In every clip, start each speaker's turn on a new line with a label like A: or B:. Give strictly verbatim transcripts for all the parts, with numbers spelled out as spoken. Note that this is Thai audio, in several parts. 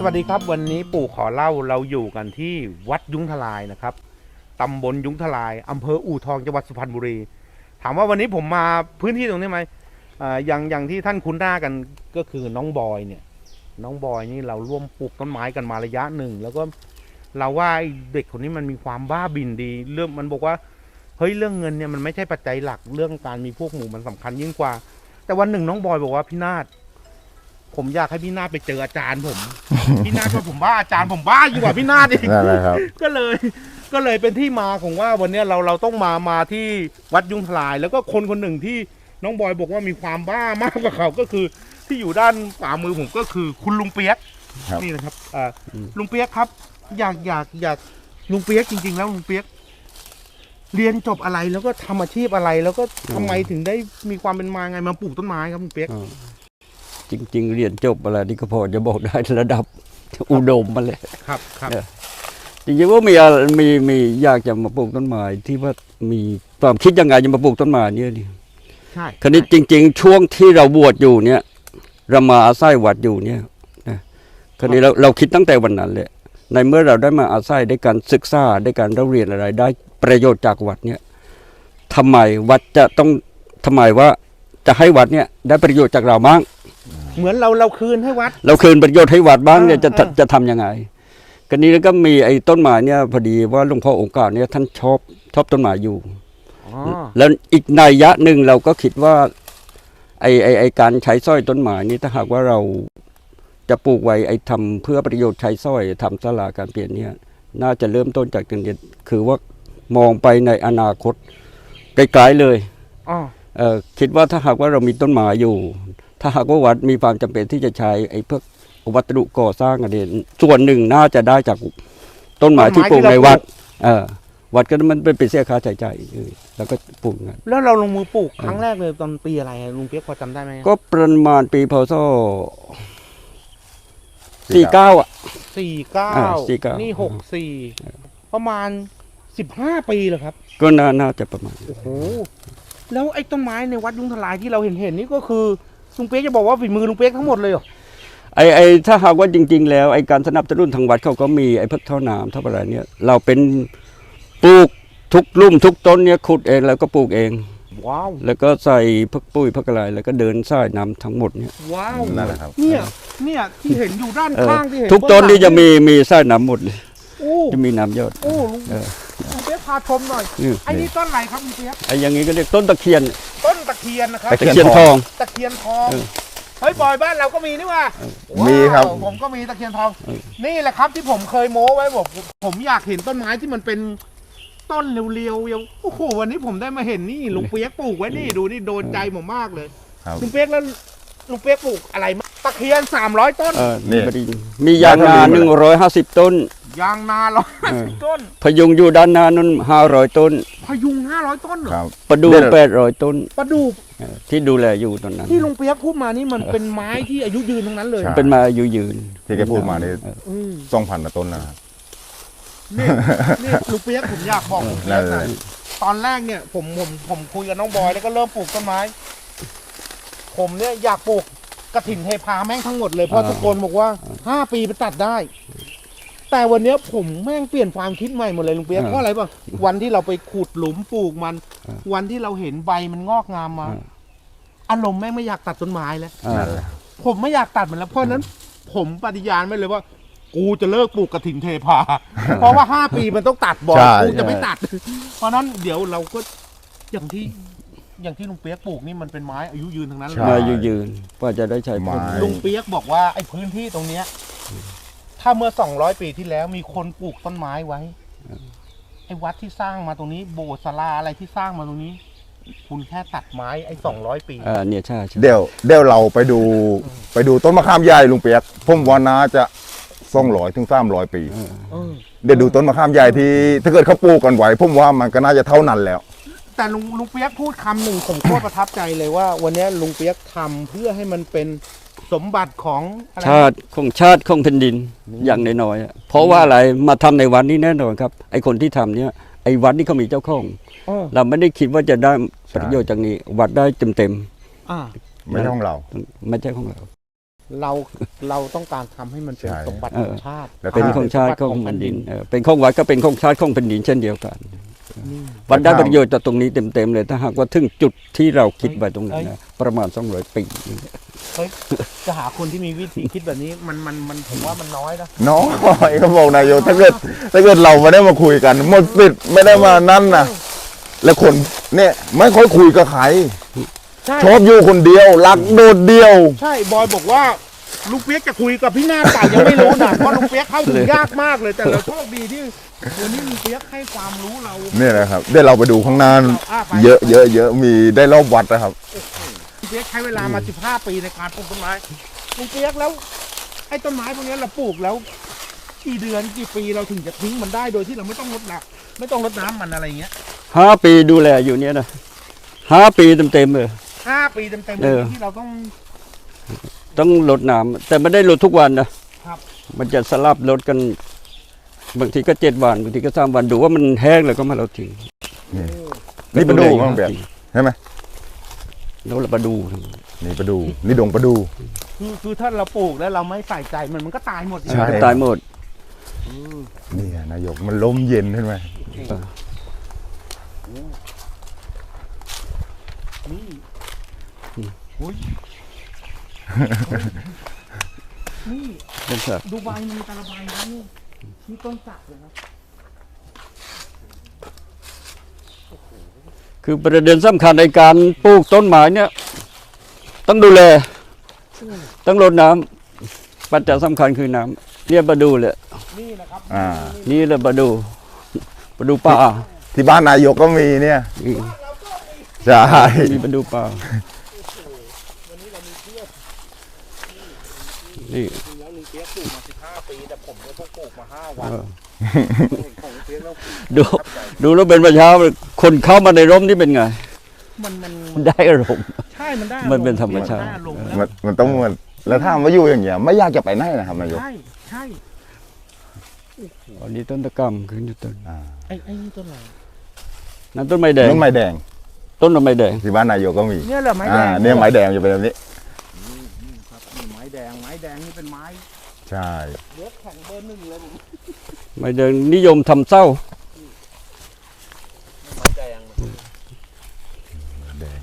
A: วัสดีครับวันนี้ปู่ขอเล่าเราอยู่กันที่วัดยุ้งทลายนะครับตำบลยุ้งทลายอำเภออู่ทองจังหวัดสุพรรณบุรีถามว่าวันนี้ผมมาพื้นที่ตรงนี้ไหมอ่าอย่างอย่างที่ท่านคุ้นหน้ากันก็คือน้องบอยเนี่ยน้องบอยนี่เราร่วมปลูกต้นไม้กันมาระยะหนึ่งแล้วก็เราว่าเด็กคนนี้มันมีความบ้าบินดีเรื่องมันบอกว่าเฮ้ยเรื่องเงินเนี่ยมันไม่ใช่ปัจจัยหลักเรื่องการมีพวกหมู่มันสำคัญยิ่งกว่าแต่วันหนึ่งน้องบอยบอกว่าพี่นาฏผมอยากให้พี่นาฏไปเจออาจารย์ผม พี่นาฏว่าผมบ้าอาจารย์ผมบ้ายิ่งกว่าพี่นาฏอีก
B: นั่นแหละครับ
A: ก็เลยก็เลยเป็นที่มาของว่าวันนี้เราเราต้องมามาที่วัดยุ้งทลาย แล้วก็คนคนหนึ่งที่น้องบอยบอกว่ามีความบ้ามากกว่าเขาก็คือที่อยู่ด้านขวามือผมก็คือคุณลุงเปียก
B: ครับ
A: นี่นะครับอ่าลุงเปียกครับ อยากอยากอยากลุงเปียกจริง ๆ แล้วลุงเปียกเรียนจบอะไรแล้วก็ทำอาชีพอะไร แล้วก็ทำไมถึงได้มีความเป็นมาไงมาปลูกต้นไม้ครับลุงเปียก
C: จริงๆเรียนจบอะไรนี่ก็พอจะบอกได้ระดับอุดมมาเลย
A: ครับครับ
C: จริงๆว่ามีอะไรมีมีอยากจะมาปลูกต้นไม้ที่ว่ามีความคิดยังไงจะมาปลูกต้นไม้เนี่ยดิ
A: ใช่
C: คราวนี้จริง ๆ ช่วงที่เราบวชอยู่เนี่ยเรามาอาศัยวัดอยู่เนี่ยนะคราวนี้เราเราคิดตั้งแต่วันนั้นเลยในเมื่อเราได้มาอาศัยได้การศึกษาได้การเรียนอะไรได้ประโยชน์จากวัดเนี่ยทำไมวัดจะต้องทำไมว่าจะให้วัดเนี่ยได้ประโยชน์จากเราบ้าง
A: เหมือนเราเราคืนให้วัด
C: เราคืนประโยชน์ให้วัดบ้างเนี่ยจะ
A: อ่า
C: จะทำยังไงกันนี้แล้วก็มีไอ้ต้นไม้เนี่ยพอดีว่าหลวงพ่อองค์การเนี่ยท่านชอบชอบต้นไม้อยู่
A: อ๋อ
C: แล้วอีกนัยยะหนึ่งเราก็คิดว่าไอ้ไอ้ไอ้การใช้สร้อยต้นไม้นี่ถ้าหากว่าเราจะปลูกไว้ไอ้ทำเพื่อประโยชน์ใช้สร้อยทำศาลาการเปลี่ยนเนี่ยน่าจะเริ่มต้นจากตรงนี้คือว่ามองไปในอนาคตไกลๆเลย
A: อ๋อ
C: เอ่อคิดว่าถ้าหากว่าเรามีต้นไม้อยู่ ถ้าหากว่าวัดมีความจำเป็นที่จะใช้ไอ้พวกวัสดุก่อสร้างอะไรส่วนหนึ่งน่าจะได้จากต้นไม้ที่ปลูกในวัดเออวัดก็มันเป็นเสียค่าใช้จ่ายเออแล้วก็ปลูกงั้น
A: แล้วเราลงมือปลูกครั้งแรกเลยตอนปีอะไรอะลุงเปียกพอจำได้ไหม
C: ก็ประมาณปีพศสี่เก้าอ่ะ
A: สี่เก้า
C: อ่าสี่เก้า
A: นี่หกสี่ประมาณสิบห้าปีเลยครับ
C: ก็น่าน่าจะประมาณ
A: โอ้โหแล้วไอ้ต้นไม้ในวัดยุ้งทลายที่เราเห็นเห็นนี่ก็คือลุงเปียกจะบอกว่าฝีมือลุงเปียกทั้งหมดเลยเหรอ
C: ไอ้ไอ้ถ้าหากว่าจริง ๆ แล้วไอ้การสนับสนุนทางวัดเขาก็มีไอ้พักเท่าน้ำเท่าอะไรเนี่ยเราเป็นปลูกทุกลุ่มทุกต้นเนี่ยขุดเองแล้วก็ปลูกเอง
A: ว้าว
C: แล้วก็ใส่พักปุ้ยพักอะไรแล้วก็เดินสายน้ำทั้งหมดเนี่ย
A: ว้าว
B: นั่นแหละครับ
A: เนี่ยเนี่ยที่เห็นอยู่ด้าน
C: เออ
A: ข้างที่เห็น
C: ทุกต้นนี่จะมี
A: บ
C: มีสายน้ำหมดเลย
A: โอ้
C: จะมีน้ำยอด
A: โอ้ลุง
C: เออ
A: ลุงเปียกพาชมหน่อย
C: นี่
A: ไอ้นี่ต้นอะไรครับลุงเปียก
C: ไอ้อย่างนี้ก็เรียกต้นตะเคียน
A: ต้นตะเคียนนะครับ
B: ตะ
C: ตะเคียนทอง
A: ตะเคียนทอง
C: เออ
A: เฮ้ยบอยบ้านเราก็มีนี่ว่า
B: มีครับ
A: ว้าวผมก็มีตะเคียนทอง
C: เออ
A: นี่แหละครับที่ผมเคยโม้ไว้บอกผมอยากเห็นต้นไม้ที่มันเป็นต้นเรียวๆยังโอ้โหวันนี้ผมได้มาเห็นนี่ลุงเปียกปลูกไว้นี่ดูนี่โดนใจผมมากเลย
B: ครับ
A: ลุงเปียกแล้วลุงเปียกปลูกอะไรมางตะเคียนสามร้อยต้น
C: เออ
B: นี่
C: พอดีมียางนาหนึ่งร้อยห้าสิบต้น
A: ยางนาร้อยห้าสิบต้น
C: พยุงอยู่ด้านหน้านั้นห้าร้อยต้น
A: พยุงห้าร้อยต้นเหรอ
B: ครับ
C: ประดู
B: เดี๋ยว
C: แปดร้อยต้น
A: ประดูก
C: เออที่ดูแลอยู่ตอนนั้น
A: ที่ลุงเปียกพูดมานี่มันเป็นไม้ที่อายุยืนทั้งนั้นเลย
B: ใช่
C: เป็นมาอายุยืน
B: ที่แกพูดมานี่
A: อืม
B: สองพันต้นนะครับ
A: นี่นี่ลุงเปียกผมอยากบอกลุงเปียกหน่อย ตอนแรกเนี่ยผมผมผมคุยกับน้องบอยแล้วก็เริ่มปลูกต้นไม้ ผมเนี่ยอยากปลูกกระถิ่นเทพาแม่งทั้งหมดเลยเพราะทุกคนบอกว่าห้าปีไปตัดได้ แต่วันเนี้ยผมแม่งเปลี่ยนความคิดใหม่หมดเลยลุงเปียกเพราะอะไรป่ะวันที่เราไปขุดหลุมปลูกมัน วันที่เราเห็นใบมันงอกงามมา อารมณ์แม่งไม่อยากตัดต้นไม้แล้ว
C: อ่า
B: นั่นแหละ
A: ผมไม่อยากตัดมันแล้วเพราะฉะนั้น ผมปฏิญาณไว้เลยว่า กูจะเลิกปลูกกระถิ่นเทพา เพราะว่าห้าปีมันต้องตัดบ่อย
B: ใช่
A: กูจะไม่ตัด เพราะฉะนั้นเดี๋ยวเราก็อย่างที่ อย่างที่ลุงเปียกปลูกนี่มันเป็นไม้อายุยืนทั้งนั้นเล
B: ใช่
C: มาย อายุยืนว่าจะได้ใช้ผล
B: ไม้
A: ลุงเปียกบอกว่าไอ้พื้นที่ตรงเนี้ย ถ้าเมื่อสองร้อยปีที่แล้วมีคนปลูกต้นไม้ไว้ไอ้วัดที่สร้างมาตรงนี้ โบสถ์ศาลาอะไรที่สร้างมาตรงนี้ คุณแค่ตัดไม้ไอ้สองร้อยปี
C: อ่าเนี่ยใช่ใช่
B: เดี๋ยวเดี๋ยวเราไปดูไปดูต้นมะขามใหญ่ลุงเปียกผมว่าน่าจะสองร้อยถึงสามร้อยปี
A: เออ
B: เดี๋ยวดูต้นมะขามใหญ่ที่ถ้าเกิดเขาปลูกกันไหวผมว่ามันก็น่าจะเท่านั้นแล้ว
A: แต่ลุงลุงเปียกพูดคำหนึ่งผมโคตรประทับใจเลยว่า วันนี้ลุงเปียกทำเพื่อให้มันเป็นสมบัติของอะไร
C: ชาติของชาติของแผ่นดินอย่างน้อยๆอะเพราะว่าอะไรมาทำในวันนี้แน่นอนครับไอ้คนที่ทำเนี่ยไอ้วัดนี่เขามีเจ้าของ
A: เออ
C: เราไม่ได้คิดว่าจะได้ประโยชน์จากนี้วัดได้เต็ม
A: อ่า
B: ไม่ใช่ของเรา
C: ๆไม่ใช่ของเรา
A: เราเราต้องการทำให้มันเป็น
B: ใช่
A: สมบัติ
C: เอ
A: ข
C: อ
A: องชาติ
B: แล้ว
C: เป็น
B: ถ้า
C: ของชาติของแผ่นดินเออเป็นของวัดก็เป็นของชาติของแผ่นดินเช่นเดียวกัน
A: นี่
C: วัดได้ประโยชน์จากตรงนี้เต็มๆเลยถ้าหากว่าถึงจุดที่เราคิดไว้ตรงนั้นนะประมาณสองร้อยปี
A: เฮ้ยจะหาคนที่มีวิธีคิดแบบนี้มันมันมันผมว่ามันน้อยนะ
B: น้อยเขาบอกนายกถ้าเกิดถ้าเกิดเราไม่ได้มาคุยกันหมดสิทธิ์ไม่ได้มานั่นนะแล้วคนเนี่ยไม่ค่อยคุยกับใคร
A: ใช่
B: ชอบอยู่คนเดียวรักโดดเดียว
A: ใช่บอยบอกว่าลุงเปียกจะคุยกับพี่หน้าเปล่ายังไม่รู้นะเพราะลุงเปียกเข้าถึงยากมากเลยแต่เราโชคดีที่วันนี้ลุงเปียกให้ความรู้เรา
B: เนี่ยนะครับเดี๋ยวเราไปดูข้างหน้า
A: อ่ะไป
B: เยอะเยอะเยอะมีได้รอบวัดนะครับ
A: ลุงเปียกใช้เวลามาสิบห้าปีในการปลูกต้นไม้ลุงเปียกแล้วไอ้ต้นไม้พวกนี้เราปลูกแล้วกี่เดือนกี่ปีเราถึงจะทิ้งมันได้โดยที่เราไม่ต้องรดน้ำไม่ต้องรดน้ำมันอะไรอย่างเงี้ย
C: ห้าปีดูแลอยู่เนี่ยนะห้าปีเต็มๆเลย
A: ห้าปีเต็มๆเล
C: เอย อ
A: ที่เราต้อง
C: ต้องลดน้ำแต่ไม่ได้ลดทุกวันนะครับ มันจะสลับลดกันบางทีก็เจ็ดวันบางทีก็สามวันดูว่ามันแห้งแล้วก็มาเราทิ้ง
B: นี่ประดูบ้างเบียร์ใช่ไหม
C: แล้วเรามาดู
B: นี่ประดูนี่ดงประดู
A: คือคือถ้าเราปลูกแล้วเราไม่ใส่ใจมันมันก็ตายหมด
B: ใช่
C: ตายหมด
B: นี่นายกมันลมเย็นขึ้นไหม
A: นี่อุ้ยนี่
C: เป็นสัตว์
A: ดูใบมันมีแต่ละใบนะนี่นี่ต้นสักเลยนะ
C: คือประเด็นสำคัญในการปลูกต้นไม้เนี่ยต้องดูแลต้องรดน้ำปัจจัยสำคัญคือน้ำเนี่ยมาดูเลย
A: นี่นะครับ
B: อ่า
C: นี่แหละมาดูมาดูป่า
B: ที่บ้านนายกก็มีเนี่ย
C: นี่
B: ใช่
C: นี่มาดูป่า
A: วันนี้เรามีเพื่อน
C: นี่
A: จริงแล้วลุงเปียกปลูกมาสิบห้าปีแต่ผมเนี่ยเพิ่งปลูกมาห้าวัน
C: เออ
A: เห็นของลุงเปียกแล้ว
C: ดูดูแล้วเป็นประชาคนเข้ามาในร่มนี่เป็นไง
A: มันมัน
C: มันได้อารมณ์
A: ใช่มันได้
C: มันเป็นธรรมชาติ
A: นได้ลงแล้ว
B: มันมันต้องมันแล้วถ้ามาอยู่อย่างเงี้ยไม่อยากจะไปไหนนะครับนายก
A: ใช่ใช่
C: อันนี้ต้นตะกร้ำขึ้นอยู่ต้น
B: อ่า
A: ไอ้ไอ้นี่ต้นอะไร
C: นั่นต้นไม้แดง
B: ต้นไม้แดง
C: ต้นไม้แดง
B: ที่บ้านนายกก็มี
A: เนี่ยเหรอไม้แด
B: อ่าง เนี่ยไม้แดงจะเป็นแบบนี้
A: ครับนี่ไม้แดงไม้แดงนี่เป็นไม้
B: ใช่
A: เลือกแข็งเบอร์หนึ่งเลยผม
C: ไม้แดงนิยมทำเศร้า
A: ไม้แดง
B: แดง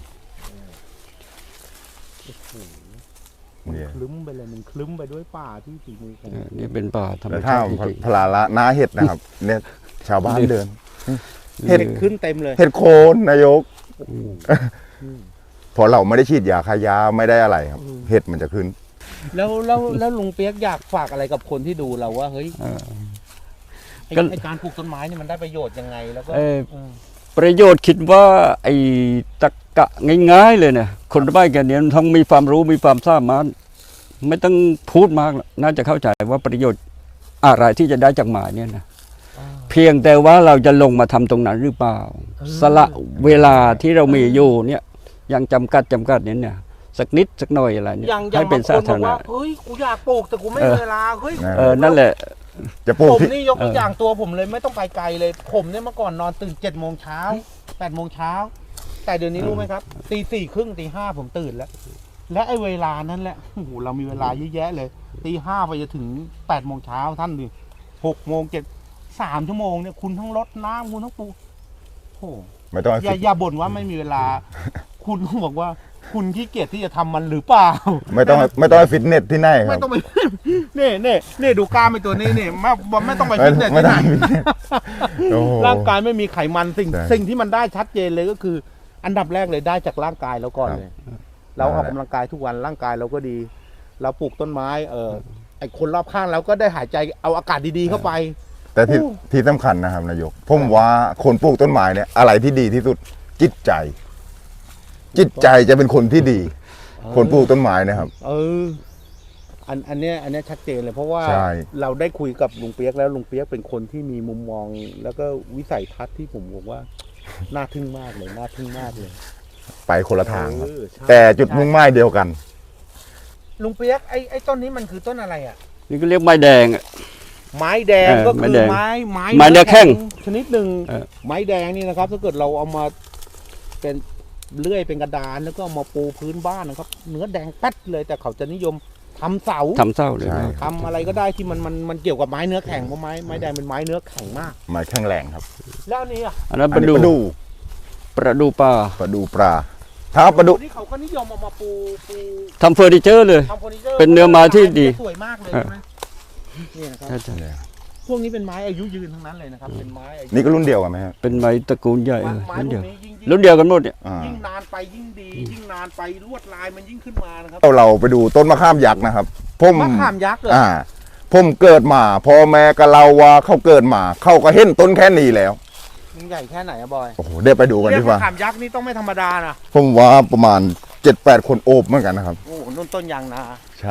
B: เนี่ย
A: คลึ้มไปเลยมันคลึ้มไปด้วยป่าที่ฝีมือของ
C: เออนี่เป็นป่าธรรม
B: แล้ว
C: ชา
B: ถ้า
C: ติจริง
B: พลาละหน้าเห็ดนะครับ เนี่ยชาวบ้านเดิน
C: ๆ
B: เห็ด
A: เห็ดขึ้นเต็มเลย
B: เห็ดโคนนายก
C: อืม
B: พอเราไม่ได้ฉีดยาคายาไม่ได้อะไรครับ เห็ดมันจะขึ้น
A: แล้วแล้วแล้วลุงเปียกอยากฝากอะไรกับคนที่ดูเราว่าเฮ้ย
C: เออ
A: ไอ้
C: ก็
A: ไอ้การปลูกต้นไม้นี่มันได้ประโยชน์ยังไงแล้วก็
C: เอ่อ
A: อืม
C: ประโยชน์คิดว่าไอ้ตะกะง่ายๆเลยเนี่ยคนบ้านแกเนี้มันต้องมีความรู้มีความสามารถไม่ต้องพูดมากหรอกน่าจะเข้าใจว่าประโยชน์อะไรที่จะได้จากหมาเนี่ยนะเพียงแต่ว่าเราจะลงมาทำตรงนั้นหรือเปล่า สละเวลาที่เรามีอยู่เนี่ยยังจำกัดจำกัดเนี่ยเนี่ยสักนิดสักหน่อยอะไรเนี่ย
A: อย่างอย่า
C: ให้
A: ง
C: เป็น
A: บางค
C: สาน
A: บ
C: ธา
A: อก
C: รณะ
A: ว่าเฮ้ยกูอยากปลูกแต่กูไม่
C: เอ
A: มี
C: อ
A: เวลาเฮ้ย
C: เออนั่นแหละ
B: จะปลูก
A: ผม
B: ที่
A: นี่ยกตัว
C: เออ
A: อย่างตัวผมเลยไม่ต้องไปไกลเลย ผมเนี่ยเมื่อก่อนนอนตื่นเจ็ดโมงเช้าแปดโมงเช้าแต่เดี๋ยวนี้รู้ไหมครับตีสี่ครึ่งตีห้าผมตื่นแล้ว และไอ้เวลานั้นแหละโอ้โหเรามีเวลาเยอะแยะเลยตีห้าไปจะถึงแปดโมงเช้าท่านดิหกโมงเจ็ดสามชั่วโมงเนี่ยคุณทั้งรดน้ำคุณทั้งปลูกโอ้โห
B: ไม่ต้องให้
A: อย่า
B: ฟิต
A: อย่าบ่นว่าไม่มีเวลา คุณต้องบอกว่า คุณขี้เกียจที่จะทำมันหรือเปล่า
B: ไม่ต้องให้ไม่ต้องให้ฟิตเนสที่ไหนค
A: ไม่
B: รับ
A: ต้องไป นี่นี่นี่ดูกล้ามไอ้ตัวนี้นี่ไม่ไม่ต้องไป
B: ไม่
A: ฟิตเนส
B: ไม่
A: ที่
B: ต้
A: ไห
B: อน งฟิตเนสโอ้โห
A: ร่างกายไม่มีไขมันสิ่ง
B: ใช่
A: สิ่งที่มันได้ชัดเจนเลยก็คือ อันดับแรกเลยได้จากร่างกายเราก่อน
B: ครับ
A: เลย เราออก
B: นั่นแหละ
A: กำลังกายทุกวันร่างกายเราก็ดี เราปลูกต้นไม้ เออไอคนรอบข้างเราก็ได้หายใจเอาอากาศดีๆเข้าไป
B: แต่ที่
A: โอ้
B: ที่สำคัญนะครับนายกผมว่าคนปลูกต้นไม้เนี่ยอะไรที่ดีที่สุดจิตใจ จิตใจจะเป็นคนที่ดี คนปลูกต้นไม้นะครับ
A: เออ อันอันเนี้ยอันเนี้ยชัดเจนเลยเพราะว่า
B: ใช่
A: เราได้คุยกับลุงเปียกแล้วลุงเปียกเป็นคนที่มีมุมมอง แล้วก็วิสัยทัศน์ที่ผมบอกว่า น่าทึ่งมากเลยน่าทึ่งมากเลย
B: ไปคนละทางครับ
A: เออใช่
B: แต่จุดมุ่งหมายเดียวกัน
A: ลุงเปียกไอ้ไอ้ต้นนี้มันคือต้นอะไรอ่ะ
C: นี่ก็เรียกไม้แดงอะ
A: ไม้แดง
C: เออ
A: ก็
C: ไม้
A: คือ
C: แดง
A: ไม้ไม้
C: ไม้เนื้อแข้ง
A: ชนิดหนึ่ง
C: เออ
A: ไม้แดงนี่นะครับ ถ้าเกิดเราเอามาเป็น เลื่อยเป็นกระดานแล้วก็เอามาปูพื้นบ้านนะครับ เนื้อแดงแป๊ดเลยแต่เขาจะนิยมทำเสา
C: ทำเศร้าเลย
B: ใช่
C: นะ
A: ทำอะไรก็ได้ที่มันมันมันเกี่ยวกับไม้เนื้อแข็งเพราะไม้ไม้แดงเป็นไม้เนื้อแข็งมาก
B: ไม้แข็งแรงครับ
A: แล้วอันนี้อ่ะ
C: อันนั้น
B: อั
C: ป
B: น
C: ระ
B: นี้
C: ดู
B: ปลาดู
C: ประดูปลา
B: ปลาดูปลาถ้าปลาดู
A: ที่เขาก็นิยมเอามาปูปู
C: ทำเฟอร์นิเจอร์เลย
A: ทำเฟอร์นิเจอร์
C: เป็นเนื้อไม้ที่ดี
A: สวยมากเลยใช่ไหมนี่นะครับ
C: ใช่ใช่
A: พวกนี้เป็นไม้อายุยืนทั้งนั้นเลยนะครับเป็นไม้อายุ
B: นี่ก็รุ่นเดียวกันไหมครับ
C: เป็นไม้ตระกูลใหญ่
A: ไม้
C: เลย
A: ไม้
C: รุ่น
A: พ
C: เดี
A: ว
C: ยว
A: กนี้ยิ่ง
C: รุ่นเดียวกันหมดเนี่ย
B: อ่า
A: ยิ่งนานไปยิ่งดี ยิ่งนานไปลวดลายมันยิ่งขึ้นมานะครับ
B: เราเราไปดูต้นมะขามยักษ์นะครับผม
A: มะขามยักษ์เหรอ
B: อ่าผมเกิดมาพ่อแม่ก็เล่าว่าเขาเกิดมาเขาก็เห็นต้นแค่นี้แล้ว
A: มันใหญ่แค่ไหนอะบอย
B: โอ้โหเดี๋ยวไปดูกัน
A: เรีย
B: ดี
A: ก
B: ก
A: ว่า
B: ว่า
A: ขามยักษ์นี่ต้องไม่ธรรมดานะ
B: ผมว่าประมาณเจ็ดแปดคนโอบเหมือนกันนะครับ
A: โอ้โหนุ่นต้นยางนา
B: ใช่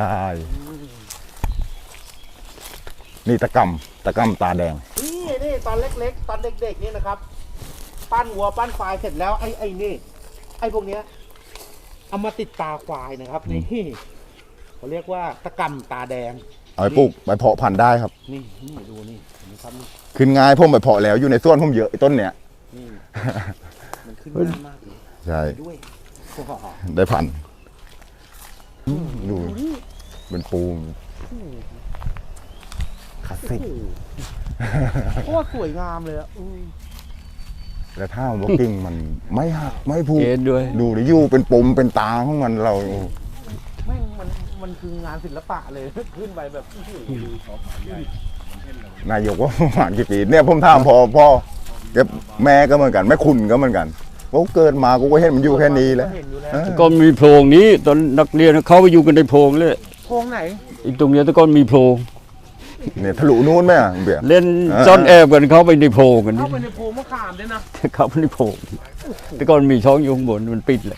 B: นี่ตะกำตะกำตาแดง
A: นี่นี่ตอนเล็กๆ ตอนเด็กๆนี่นะครับ ปั้นวัวปั้นควายเสร็จแล้วไอ้ไอ้นี่ ไอ้พวกเนี้ยเอามาติดตาควายนะครับนี่เขาเรียกว่าตะกำตาแดง
B: เอาไปปลูกไปเพาะพันธุ์ได้ครับ
A: นี่นี่ดูนี่เห็นไหมครับนี่
B: ขึ้นง่ายผมไปเพาะแล้วอยู่ในสวนผมเยอะไอ้ต้นเนี้ย
A: นี่มันขึ้นง่ายมากเลย
B: ใช่
A: ด้วย
B: ได้พันธุ์ดู
A: ดูนี่
B: เป็นปูนคลาสสิก
A: โคตรสวยงามเลยอ่ะอืม
B: แล้วถ้าว่ากิ่งมันไม่หักไม่พู
C: เอ็นด้วย
B: ดูดิอยู่เป็นปมเป็นตาของมันเรา
A: แม่งมันมันคืองานศิลปะเลย ขึ้นไปแบบอื้อหือน
B: ายกว่าประมาณกี่ปีเนี่ยผมถามพ่อพ่อแกแม่ก็เหมือนกันแม่คุณก็เหมือนกันว่าเกิดมากูก็เห็นมันอยู่แค่นี้แล้ว
A: เห็นอยู่แล้ว
B: เออ
C: ก็มีโพรงนี้ตอนนักเรียนเขาไปอยู่กันในโพรงเลย
A: โครงไหน
C: อีกตรงเนี้ยแตะก้อนมีโพรง
B: เนี่ยทะลุนู้นไหมอ่ะเบียร์
C: เล่น
B: เออ
C: ซ่อนแอบกันเขาไปในโพรงกัน
A: เข้า
C: นี่
A: ไปในโพรงมะขามด้วยนะ
C: เขาไปในโพรงแตะก้อนมีช่องอยู่ข้างบนมันปิดเลย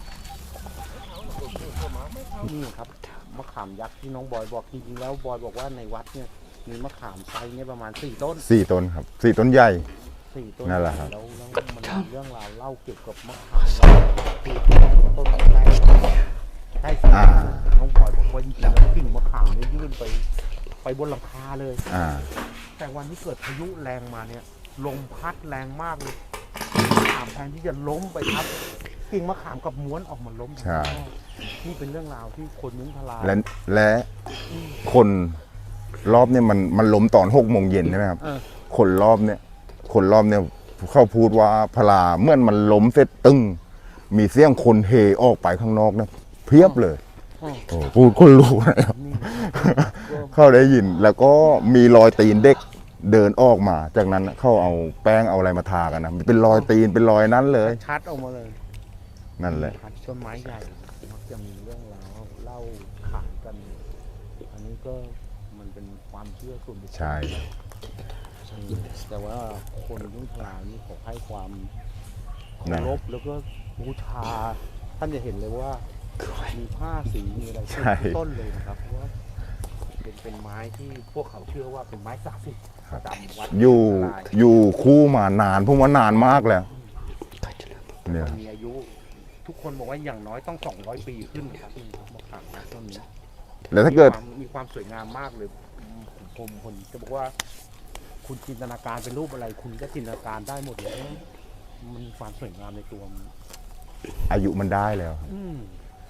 A: นี่ครับมะขามยักษ์ที่น้องบอยบอกจริงๆแล้วบอยบอกว่าในวัดเนี่ยมีมะขามไซส์เนี่ยประมาณสี่ต้น
B: สี่ต้นครับสี่ต้นใหญ่
A: สี่ต้น
B: นั่นแหละครับ
A: แล้วแล้วมันมีเรื่องราวเล่าเกี่ยวกับมะขามคือต้นใกล้ใกล้สาน้องบอยบอกว่าจริงๆแล้วกิ่งมะขามเนี่ยยื่นไปไปบนหลังคาเลย
B: อ่า
A: แต่วันที่เกิดพายุแรงมาเนี่ยลมพัดแรงมากเลยมะขามแทนที่จะล้มไปทับกิ่งมะขามกับม้วนออกมาล้ม
B: ใช่
A: นี่เป็นเรื่องราวที่คนยุ้งทลาย
B: และและคนรอบเนี่ยมันมันล้มตอนหกโมงเย็นใช่ไหมครับ
A: เออ
B: คนรอบเนี่ยคนรอบเนี่ยเขาพูดว่าพลาเมื่อมันล้มเสร็จตึ้งมีเสียงคนเฮออกไปข้างนอกนะเพียบเลย
A: อ๋อ
B: โอ้พูดคนรู้นะครับ
A: นี่
B: เขาได้ยินแล้วก็มีรอยตีนเด็กเดินออกมา จากนั้นเขาเอาแป้งเอาอะไรมาทากันนะเป็นรอยตีนเป็นรอยนั้นเลย
A: ชัดออกมาเลย
B: นั่นแหละ
A: พัดต้นไม้ใหญ่มักจะมีเรื่องราวเล่าขานกัน อันนี้ก็มันเป็นความเชื่อส่วนบุคคล
B: ใช่
A: แต่ว่าคนยุ้งทลายนี่เขาให้ความเคา
B: นั่น
A: รพแล้วก็บูชา ท่านจะเห็นเลยว่ามีผ้าสีมีอะไร
B: ใช่
A: ต้นเลยนะครับเพราะว่าเป็นเป็นไม้ที่พวกเขาเชื่อว่าเป็นไม้ศักดิ์สิทธิ์ประจำวัด
B: อยู่
A: ทลาย
B: อยู่คู่มานานผมว่านานมากแล้วเนี่ย
A: มันมีอายุ ทุกคนบอกว่าอย่างน้อยต้องสองร้อยปีขึ้นครับมะขามนะต้นนี้
B: แล้วถ้าเกิด
A: มีความมีความสวยงามมากเลยผมผมผมจะบอกว่า คุณจินตนาการเป็นรูปอะไร คุณก็จินตนาการได้หมดเลยมันมีความสวยงามในตัวมัน
B: อายุมันได้แล้ว
A: อืม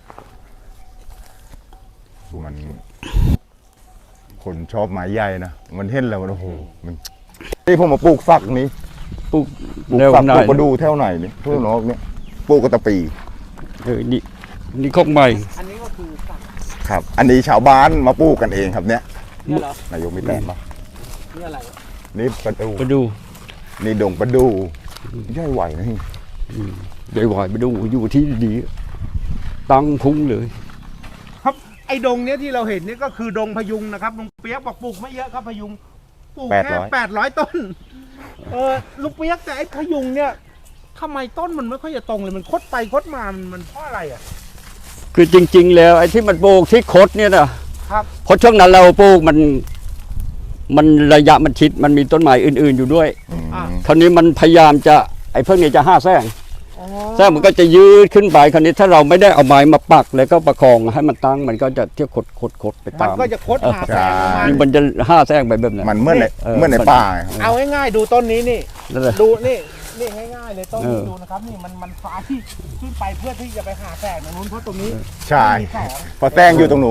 B: มัน คนชอบไม้ใหญ่นะมันเห็นแล้วมันโอ้โหมันนี่ผมมาปลูกฝักนี้
C: ปลูก
B: ปลูก
C: แนว
B: ฝัก
C: ไหน
B: ปลูกประดูแถวไหนนี่ทั่วนอกเนี่ยปลูกกระตะปี
C: เออนี่นี่ข้องใหม่
A: อันนี้ก็คือสัก
B: ครับ อันนี้ชาวบ้านมาปลูกกันเองครับเนี่ย
A: เนี่ยเหรอน
B: ายกมีแต่มา
A: นี่อะไร
B: นี่ประดู
C: ไปดู
B: นี่ดงประดูใหญ่ไหวนะนี่
C: ใหญ่หวายไปดูอยู่ที่ดีๆตั้งพุ้งเลย
A: ครับไอ้ดงเนี้ยที่เราเห็นเนี่ยก็คือดงพยุงนะครับลุงเปียกบอกปลูกไม่เยอะครับพยุงปลูกแค่แปดร้อยต้น เออลุงเปียกแต่ไอ้พยุงเนี่ยทำไมต้นมันไม่ค่อยจะตรงเลยมันคดไปคดมามันมันเพราะอะไรอ่ะ
C: คือจริง ๆ แล้วไอ้ที่มันปลูกที่คดเนี่ยนะครับ เพราะช่วงนั้นเราปลูกมัน มันระยะมันชิดมันมีต้นไม้อื่น ๆอยู่ด้วย
B: อืม
A: อ่ะ
C: คราวนี้มันพยายามจะไอ้เพิ่งนี้จะห้าแซง
A: อ๋อ
C: แซงมันก็จะยืดขึ้นไปคราวนี้ถ้าเราไม่ได้เอาไม้มาปักแล้วก็ประคองให้มันตั้งมันก็จะเที่ยวขดขดขดไป
A: มัน
C: ตาม
A: ก็จะคดหาแสงประมาณ
C: นี่มันจะห้าแซงไปแบบนั้น
B: มันเมื่อใน
C: เออ
B: เมื่อในป่าไงครับ
A: เอาง่ายๆดูต้นนี้นี่
C: นั่นแหละ
A: ดูนี่นี่ง่ายๆเลยต้นนี้
C: เออ
A: ดูนะครับนี่มันมันฟ้าที่ขึ้นไปเพื่อที่จะไปหาแสงตรงนู้นเพราะตรงนี้
B: ใช่
A: มีแสง
B: พอแซงอยู่ตรงนู้น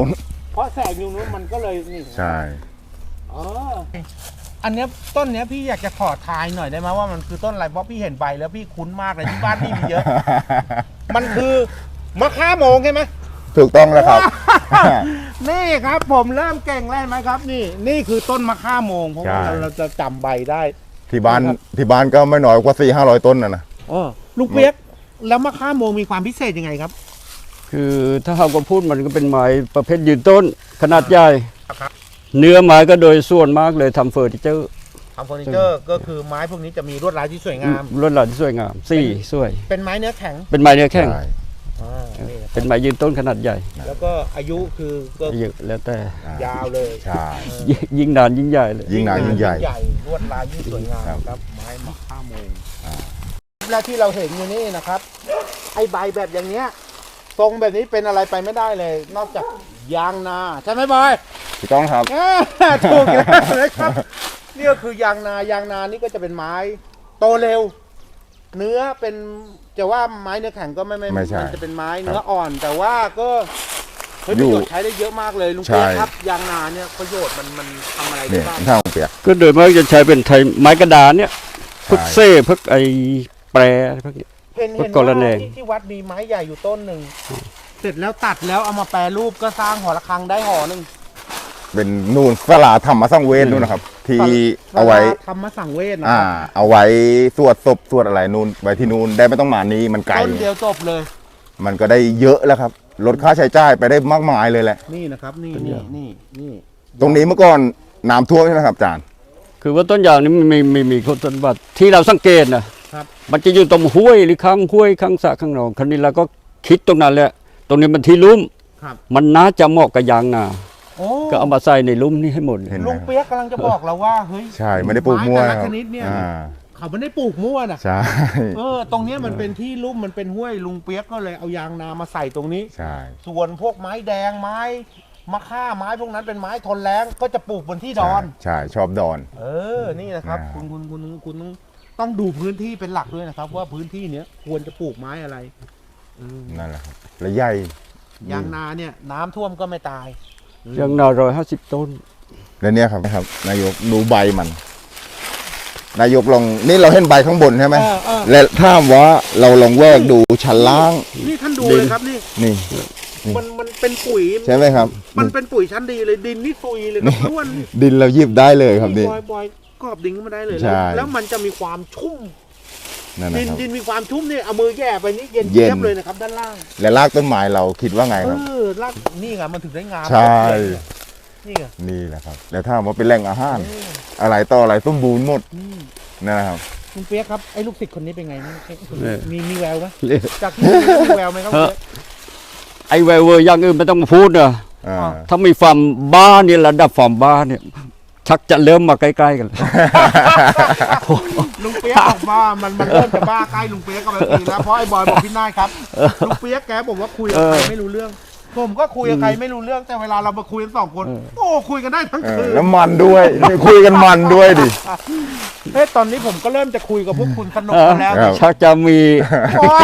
A: เพราะแสงอยู่นู้นมันก็เลยนี่
B: ใช่
A: อ๋ออันเนี้ยต้นเนี้ยพี่อยากจะขอทายหน่อยได้ไหมว่ามันคือต้นอะไรเพราะพี่เห็นใบแล้วพี่คุ้นมากเลยที่บ้านพี่มีเยอะ มันคือมะข่าโมงใช่ไหม
B: ถูกต้องแล้วครับ
A: นี่ครับผมเริ่มเก่งแล้วเห็นไหมครับ นี่นี่คือต้นมะข่าโมงเพราะว่า
B: ใช่
A: เราจะจำใบได้
B: ที่บ้าน
A: ครับ
B: ที่บ้านก็ไม่น้อยกว่าสี่ห้าร้อยต้นนะนะ
A: อ๋อลูกเปียกแล้วมะข่าโมงมีความพิเศษยังไงครับ
C: คือถ้าเราก็พูดมันก็เป็นไม้ประเภทยืนต้นขนาดใหญ่
A: ครับ
C: เนื้อไม้ก็โดยส่วนมากเลยทำเฟอร์นิเจอร์
A: ทำเฟอร์นิเจอร์ก็คือไม้พวกนี้จะมีลวดลายที่สวยงาม
C: ลวดลายที่สวยงามสี่สวย
A: เป็นไม้เนื้อแข็ง
C: เป็นไม้เนื้อแข็ง
B: ใช่
A: อ่านี่ครับ
C: เป็นไม้ยืนต้นขนาดใหญ่
A: แล้วก็อายุคือก็
C: เยอะแล้วแต่
A: ยาวเลย
B: ใช่
C: ยิ่งยิ่งนานยิ่งใหญ่เลย
B: ยิ่งนานยิ่งใหญ่
A: ลวดลายยิ่งสวยงาม
B: ครับ
A: ครับ ไม้มะข่าโมงและที่เราเห็นอยู่นี่นะครับ ไอ้ใบแบบอย่างเนี้ยทรงแบบนี้เป็นอะไรไปไม่ได้เลย นอกจากยางนาใช่ไหมบอย
B: ถูกต้องครับ
A: อ่าถูกแล้วนะครับนี่ก็คือยางนายางนานี่ก็จะเป็นไม้โตเร็ว เนื้อเป็นจะว่าไม้เนื้อแข็งก็ไม่ไม่
B: ไม่ใช่
A: นจะเป็นไม้
B: ครับ
A: เนื้ออ่อน แต่ว่าก็เฮ้ย
B: อยู่
A: ประโยชน์ใช้ได้เยอะมากเลยลุง
B: ใช่
A: เปียกครับยางนาเนี่ยประโยชน์มันมันทำอะไรได้
B: เนี่ย
A: บ้าง
B: ท่าของเปียก
C: ก็โดยมากจะใช้เป็นไทยไม้กระดานเนี่ยพวก
B: ใช่
C: เซ่พวกไอ้แปรพวกนี้
A: เห็นเห็น
C: กร
A: ว่า
C: ณี
A: ที่ที่วัดมีไม้ใหญ่อยู่ต้นหนึ่งเสร็จแล้วตัดแล้วเอามาแปรรูปก็สร้างหอระฆังได้หอหนึ่ง
B: เป็นนูนสลาธรรมสังเวชนู่นนะครับ ที่เอาไว้
A: ทำมาสั่งเวทนะ
B: อ่า
A: ครับ
B: เอาไว้สวดศพสวดอะไรนู่นไว้ที่นู่นได้ไม่ต้องมานี้มันไกล
A: ต้นเดียวจบเลย
B: มันก็ได้เยอะแล้วครับลดค่าใช้จ่ายไปได้มากมายเลยแหละ
A: นี่นะครับ นี่นี่นี่นี่
B: ตรงนี้เมื่อก่อนน้ำท่วมใช่ไหมครับอาจารย์
C: คือว่าต้นยางนี่มันมีมีมีคุณสมบัติที่เราสังเกตนะครับ มันจะอยู่ตรงห้วยหรือข้างห้วยข้างสระข้างหนองคราวนี้เราก็คิดตรงนั้นแหละตรงนี้มันที่ลุ่ม
A: ครับ
C: มันน่าจะเหมาะกับยางนา
A: โอ้
C: ก็เอามาใส่ในลุ่มนี่ให้หมด
B: เห็น
A: ลุงเปียกกำลังจะบอกเราว่าเฮ้ย
B: ใช่ไม่ได้ปลูกมั่ว
A: ไแต่
B: ค
A: ละ
B: รับ
A: ชนิดเนี่ย
B: อ่า
A: เขาไม่ได้ปลูกมั่วนะ
B: ใช่
A: เออตรงเนี้ยมันเป็นที่ลุ่มมันเป็นห้วยลุงเปียกก็เลยเอายางนามาใส่ตรงนี้
B: ใช่
A: ส่วนพวกไม้แดงไม้มะค่าไม้พวกนั้นเป็นไม้ทนแล้งก็จะปลูกบนที่ดอน
B: ใช่ชอบดอน
A: เออ นี่นะครับ
B: อ่า
A: คุณคุณคุณคุณต้องต้องดูพื้นที่เป็นหลักด้วยนะครับ ว่าพื้นที่เนี้ยควรจะปลูกไม้อะไรเออ
B: นั่นแหละครับและใหญ่
A: ยางนาเนี่ยน้ำท่วมก็ไม่ตาย
C: ยางนาร้อยห้าสิบต้น
B: และเนี่ยครับนะครับ นายกดูใบมัน นายกลองนี่เราเห็นใบข้างบนใช่ไหม
A: เออเออ
B: และถ้าว่าเราลองแวกดูชั้นล่าง
A: นี่ท่านดู
C: ดิน
A: เลยครับนี่
B: นี่
A: มันมันเป็นปุ๋ย
B: ใช่ไหมครับ
A: มันเป็นปุ๋ยชั้นดีเลยดินนี่ซุยเลยครับล้วนนี่
B: ดินเราหยิบได้เลยครับนี่
A: บอยบอยกรอบดินขึ้นมาได้เลย
B: ใช่
A: แล้วแล้วมันจะมีความชุ่ม
B: นั่นนะ
A: ดิน
B: ครับ
A: ดินมีความชุ่มเนี่ยเอามือแย่ไปนี่เย็น
B: เย็น
A: เจี๊ยบเลยนะครับ ด้านล่าง
B: และรากต้นไม้เราคิดว่าไง
A: เอ
B: ครับ
A: อรากนี่ไงมันถึงได้งาม
B: ใช่
A: นี่ไง
B: นี่แหละครับ แล้วถ้าว่าเป็นแหล่งอาหาร อะไรต่ออะไรสมบูรณ์หมด
A: อืม
B: นะครับ
A: คุณเปียกครับไอ้ลูกศิษย์คนนี้เป็นไงบ้างเอ๊ะคุณ
C: เออ
A: มีมีแววไหม
C: เอ๊ะ
A: จากที่ดูมีแววไหมครับคุณเปี๊ยก
C: ไอ้แววเวอร์อย่างอื่นไม่ต้องมาพูดนะ
B: อ่า
C: ถ้ามีความบ้าเนี่ยระดับความบ้าเนี่ย ชักจะเริ่มมาใกล้ๆกันแล้ว
A: ลุงเปียกบอกว่ามันมันเริ่มจะบ้าใกล้ลุงเปียกก็ไปทีแล้วเพราะไอ้บอยบอกพี่นายครับลุงเปียกแกบอกว่าคุยกับใครไม่รู้เรื่อง ผมก็คุยกับใครไม่รู้เรื่องแต่เวลาเรามาคุยกันสองคน โอ้คุยกันได้ทั้ง
B: เอ
A: คื
B: อน แล้วมันด้วย คุยกันมันด้วยดิ
A: เฮ้ยตอนนี้ผมก็เริ่มจะคุยกับพวกคุณสนุก
C: เออ
A: กันแล้ว
B: ครับ
C: ชักจะมี
A: โอ๊ย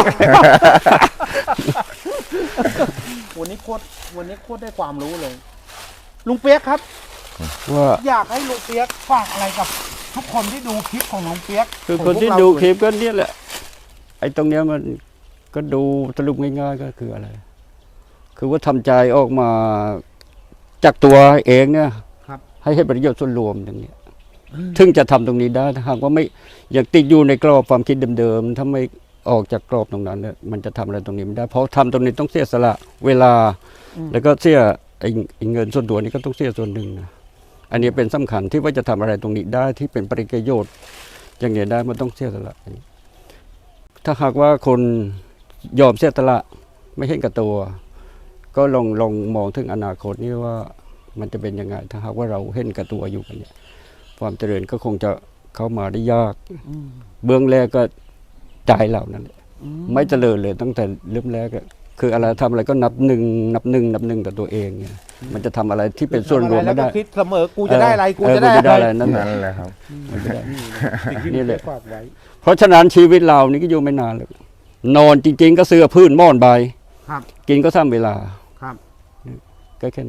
A: วันนี้โคตรวันนี้โคตรได้ความรู้เลย ลุงเปียกครับ
C: ว่า
A: อยากให้ลุงเปียกฝากอะไรกับทุกคนที่ดูคลิปของลุงเปียก
C: คือ
A: ขง
C: คนที่
A: พวกเรา
C: ดูคลิปก็เนี่ยแหละ ไอ้ตรงเนี้ยมันก็ดูสรุปง่ายๆก็คืออะไร คือว่าทำใจออกมาจากตัวเองเนี่ย
A: ครับ
C: ให้ให้ประโยชน์ส่วนรวมอย่างเงี้ยถึงจะทำตรงนี้ได้ถ้าหากว่าไม่อยากติดอยู่ในกรอบความคิดเดิมๆถ้าไม่ออกจากกรอบตรงนั้นเนี่ยมันจะทำอะไรตรงนี้ไม่ได้ เพราะทำตรงนี้ต้องเสียสละเวลา แล้วก็เสียไอ้ไอ้เงินส่วนตัวนี้ก็ต้องเสียส่วนหนึ่งนะอันนี้เป็นสำคัญที่ว่าจะทำอะไรตรงนี้ได้ที่เป็นประโยชน์อย่างเงี้ยได้มันต้องเสียสละถ้าหากว่าคนยอมเสียสละไม่เห็นกับตัว ก็ลองลองมองถึงอนาคตนี่ว่ามันจะเป็นยังไง ถ้าหากว่าเราเห็นกับตัวอยู่กันเนี่ยความเจริญก็คงจะเข้ามาได้ยาก เบื้องแรกก็ใจเรานั่นแหละไม่เจริญเลยตั้งแต่เริ่มแรกอะคืออะไรทำอะไรก็นับหนึ่งนับหนึ่งนับหนึ่งแต่ตัวเองเนี่ยมันจะทำอะไรที่เป็นส่วนรวมไม่ได้
A: ทำอะแล้วก็คิดเสมอกูจะได้อะไรกู
C: เออ
A: จะได้
C: กูจะได้
A: อะ
C: อะไร ไรนั่นแหละ
B: นั่นแหละครับ
C: มันจะได้
A: สิ่งที่
C: นี่
A: ลุง
C: แห
A: เปีย
C: ละ
A: กฝากไว้
C: เพราะฉะนั้นชีวิตเรานี่ก็อยู่ไม่นานเลยนอนจริง ๆ ก็เสื้อพื้นหม่อนใบ
A: ครับ
C: กินก็ทำเวลา
A: ครับ
C: ก็แค่นั้น
A: อ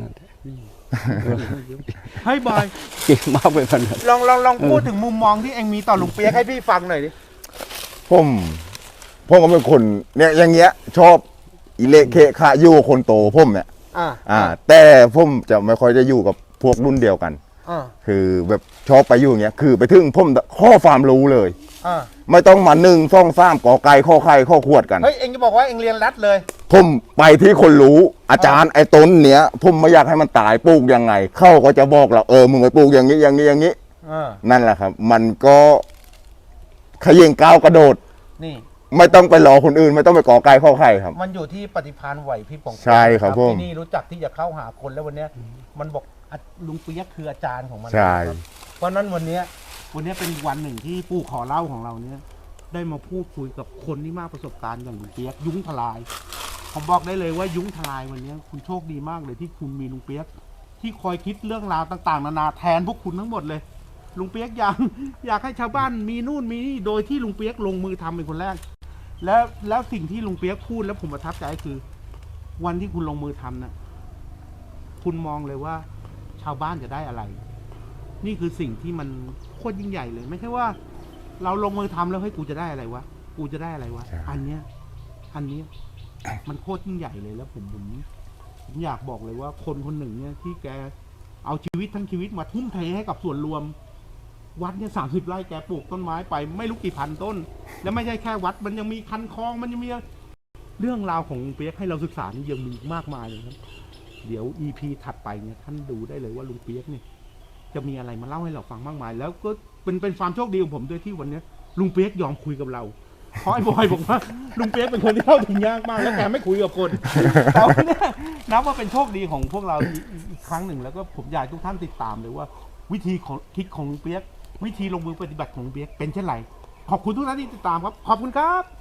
A: ให้บอย
C: เก่งมากไปขนาด
A: ลองลองลองพูดถึงมุมมองที่เองมีต่อลุงเปียกให้พี่ฟังหน่อยดิ
B: ผมผมก็เป็นคนเนี่ยอย่างเงี้ย ชอบอิเละเคคะอยู่กับคนโตผมเนี่ย
A: อ่า
B: อ่า แต่ผมจะไม่ค่อยจะอยู่กับพวกรุ่นเดียวกัน
A: อ่า
B: คือแบบชอบไปอยู่อย่างเงี้ยคือไปถึงผมข้อความรู้เลย
A: อ่า
B: ไม่ต้องมาหนึ่งซ่องซ้ำกอไก่ข้อไข่ข้อขวดกัน
A: เฮ้ยเองจะบอกว่าเองเรียนรัดเลย
B: ผมไปที่คนรู้อาจารย์ไอ้ต้นเนี้ยผมไม่อยากให้มันตายปลูกยังไง เข้าก็จะบอกเราเออมึงไปปลูกอย่างนี้อย่างนี้อย่างนี้
A: อ่า
B: นั่นแหละครับ มันก็ขยิงก้าวกระโดด
A: นี่
B: ไม่ต้องไปรอคนอื่น ไม่ต้องไปกอไก่ข้อไข่ครับ
A: มันอยู่ที่ปฏิภาณไหวพริบของน
B: ใช่ครับผม
A: ที่นี่รู้จักที่จะเข้าหาคนแล้ววันเนี้ยมันบอกอ่ะลุงเปียกคืออาจารย์ของมัน
B: ใช่
A: ครับเพราะฉะนั้นวันเนี้ยวันเนี้ยเป็นอีกวันหนึ่งที่ปู่ขอเล่าของเราเนี้ยได้มาพูดคุยกับคนที่มากประสบการณ์อย่างลุงเปียกยุ้งทลาย ผมบอกได้เลยว่ายุ้งทลายวันเนี้ยคุณโชคดีมากเลยที่คุณมีลุงเปียกที่คอยคิดเรื่องราวต่าง ๆ นานาแทนพวกคุณทั้งหมดเลยลุงเปียกอยากอยากให้ชาวบ้านมีนู่นมีนี่โดยที่ลุงเปียกลงมือทำเป็นคนแรก แล้วแล้วสิ่งที่ลุงเปียกพูดแล้วผมประทับใจคือ วันที่คุณลงมือทำนะคุณมองเลยว่า ชาวบ้านจะได้อะไร นี่คือสิ่งที่มันโคตรยิ่งใหญ่เลย ไม่ใช่ว่า เราลงมือทำแล้วให้ยกูจะได้อะไรวะกูจะได้อะไรวะ
B: ใช่
A: อันเนี้ย อันเนี้ย มันโคตรยิ่งใหญ่เลยแล้วผมผมผมอยากบอกเลยว่า คนคนหนึ่งเนี่ยที่แกเอาชีวิตทั้งชีวิตมาทุ่มเทให้กับส่วนรวม วัดเนี่ยสามสิบไร่แกปลูกต้นไม้ไปไม่รู้กี่พันต้น แล้วไม่ใช่แค่วัดมันยังมีคันคลองมันยังมีเรื่องราวของลุงเปียกให้เราศึกษานี่ยังมีมากมายเลยครับ เดี๋ยว อี พี ถัดไปเนี่ยท่านดูได้เลยว่าลุงเปียกเนี่ยจะมีอะไรมาเล่าให้เราฟังมากมาย แล้วก็เป็นเป็นความโชคดีของผมด้วยที่วันเนี้ยลุงเปียกยอมคุยกับเราเพราะไอ้บอยบอกว่าลุงเปียกเป็นคนที่เข้าถึงยากมากแล้วแกไม่คุยกับคนแต่วันเนี้ยนับว่าเป็นโชคดีของพวกเราอีกอีกครั้งหนึ่งแล้วก็ผมอยากให้ทุกท่านติดตามเลยว่า วิธีของคิดของลุงเปียกวิธีลงมือปฏิบัติของลุงเปียกเป็นเช่นไรขอบคุณทุกท่านที่ติดตามครับขอบคุณครับ